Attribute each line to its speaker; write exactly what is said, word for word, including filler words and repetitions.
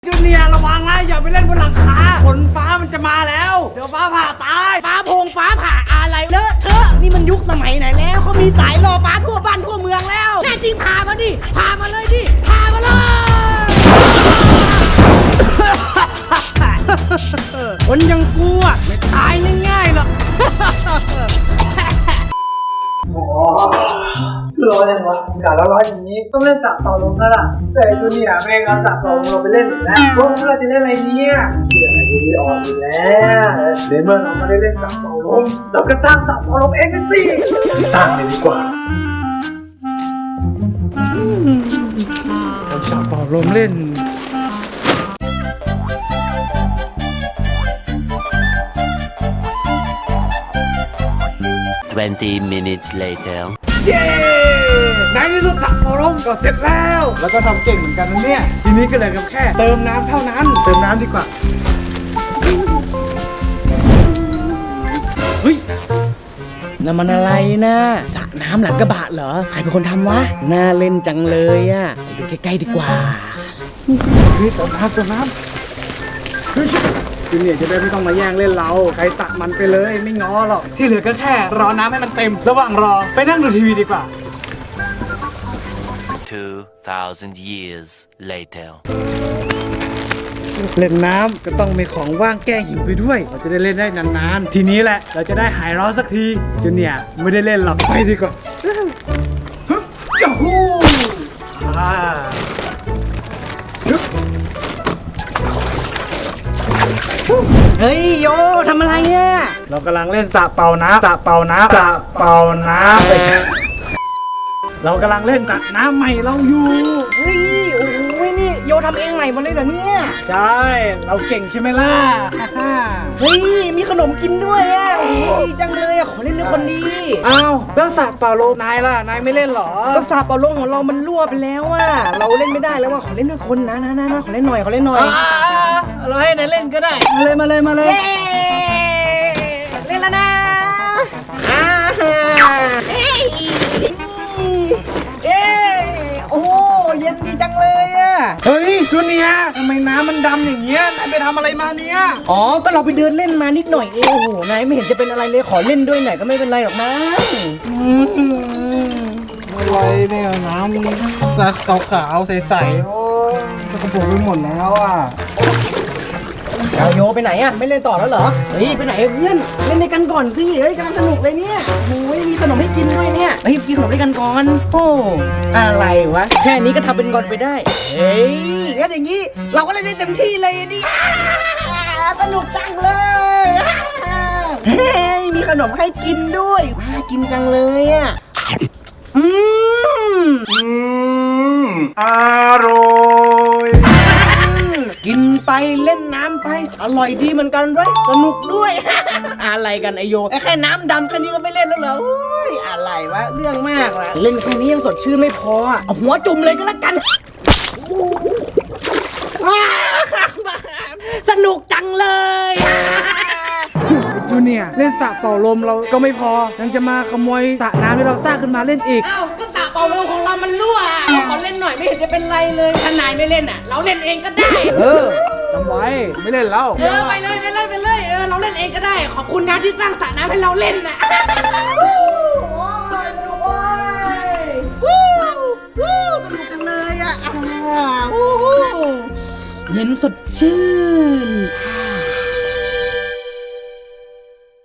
Speaker 1: จูเนียร์ระวังนะอย่าไปเล่นบนหลังคาฝนฟ้ามันจะมาแล้วเดี๋ยวฟ้าผ่าตาย
Speaker 2: ฟ้าโพงฟ้าผ่าอะไรเลอะเทอะนี่มันยุคสมัยไหนแล้วเขามีสายรอฟ้าทั่วบ้านทั่วเมืองแล้วแน่จริงพามาดิพามาเลยดิพามาเลยคนยังกูอ่ะไม่ตายง่ายๆหรอก
Speaker 3: คือร้อนยังวะอากาศร้อนอย่างนี้ต้องเล่นจับต่อลมแล้วล่ะแต่จูเนียร์เองเราจับต่อลมเราไปเล่นอยู่แล้วพวกเราจะเล่นอะไรเนี่ยเดี๋ยวอะไรดีออกอยู่แล้วเดี๋ยวเมื่อเราไม่ได้เล่นจับต่อลมเราก็สร้างจับต่อลมเองกันสิสร้างเลยดีกว่า
Speaker 1: เราจับต่อลมเล่น
Speaker 4: twenty minutes later
Speaker 1: เย้ในที่สุดจับต่อลมก็เสร็จแล้วแล้วก็ทำเก่งเหมือนกันนะเนี่ยทีนี้ก็เลยกับแค่เติมน้ำเท่านั้นเติมน้ำดีกว่าเฮ้ย
Speaker 2: นั่นมันอะไรนะสระน้ำหลังกระบะเหรอใครเป็นคนทำวะน่าเล่นจังเลยอ่ะไปดูใกล้ๆดีกว่า
Speaker 1: เฮ้ยเติมน้ำเติมน้ำเฮ้ยจูเนียร์จะได้ไม่ต้องมาแย่งเล่นเราใครสักมันไปเลยไม่ง้อหรอกที่เหลือก็แค่รอน้ำให้มันเต็มระหว่างรอไปนั่งดูทีวีดีกว่า
Speaker 4: two thousand years later
Speaker 1: เล่นน้ำก็ต้องมีของว่างแก้หิวไปด้วยเราจะได้เล่นได้นานๆทีนี้แหละเราจะได้หายร้อนสักทีจูเนียร์ไม่ได้เล่นหรอกไปดีกว่ายูฮูอ่า
Speaker 2: เฮ้ยโยทำอะไรเนี่ย
Speaker 1: เรากำลังเล่นสระเป่าน้ำสระเป่าน้ำสระเป่าน้ำไปเรากำลังเล่นสระน้ำใหม่เราอยู่
Speaker 2: เฮ้ยโอ้ยนี่โยทำเองใหม่มาเลยเหรอเนี่ย
Speaker 1: ใช่เราเก่งใช่ไหมล่ะ
Speaker 2: เฮ้ยมีขนมกินด้วยอ่ะโอ้ยดีจังเลยอ่ะขอเล่นด้วยคนดี
Speaker 1: อ้าวแล้วสระเป่าลมนายล่ะนายไม่เล่นหรอ
Speaker 2: ก็สระเป่าลมของเรามันรั่วไปแล้วอ่ะเราเล่นไม่ได้แล้วว่าขอเล่นด้วยคนนะนะนะนะขอเล่นหน่อยขอเล่นหน่อย
Speaker 1: เราให้นายเล่นก็ได้มาเลยมาเลยมาเลย
Speaker 2: เล่นแล้วนะอ่าเอ้ยเอ้ยโอ้เย็นดีจังเลยอ่ะ
Speaker 1: เฮ้ยจูเนียร์ทำไมน้ำมันดำอย่างเงี้ยนายไปทำอะไรมาเนี่ย
Speaker 2: อ๋อก็เราไปเดินเล่นมานิดหน่อยเองโอ้โหนายไม่เห็นจะเป็นอะไรเลยขอเล่นด้วยหน่อยก็ไม่เป็นไรหรอกนะ
Speaker 1: อะไรเนี่ยน้ำสักขาวๆใสๆโอ้ยจะกระปุกไปหมดแล้วอ่ะ
Speaker 2: เอาโยไปไหนอ่ะไม่เล่นต่อแล้วเหรอเฮ้ยไปไหนเพื่อนเล่นด้วยกันก่อนสิเฮ้ยกำลังสนุกเลยเนี่ยโอ้ยมีขนมให้กินด้วยเนี่ยเฮ้ยกินขนมด้วยกันก่อนโอ้อะไรวะแค่นี้ก็ทำเป็นก่อนไปได้เฮ้ยงั้นอย่างนี้เราก็เล่นได้เต็มที่เลยดิสนุกจังเลยเฮ้ยมีขนมให้กินด้วยน่ากินจังเลยอ่ะอืม
Speaker 1: อืมอร่อย
Speaker 2: กินไปเล่นน้ำไปอร่อยดีเหมือนกันด้วยสนุกด้วย อะไรกันไอโยแค่น้ำดำแค่นี้ก็ไม่เล่นแล้วเหรออะไรวะเรื่องมากว่ะเล่นแค่นี้ยังสดชื่นไม่พอเอาหัวจุ่มเลยก็แล้วกันสนุกจังเลย
Speaker 1: จูเนียร์เล่นสระเป่าลมเราก็ไม่พอยังจะมาขโมยสระน้ำที่เราสร้างขึ้นมาเล่นอีก
Speaker 2: อ้าวก็สระเป่าลมของเรามันรั่วขอเล่นหน่อยไม่เห็นจะเป็นไรเลยถ้านายไม่เล่นอ่ะเราเล่นเองก็ได้
Speaker 1: เออจำไว้ไม่เล่นแล้ว
Speaker 2: เออไปเลยไปเลยไปเลยเออเราเล่นเองก็ได้ขอบคุณนะที่สร้างสระน้ำให้เราเล่นนะโอ้ยสนุกโอ้ยวู้วู้สนุกจังเลยอ่ะเย็นสดชื่น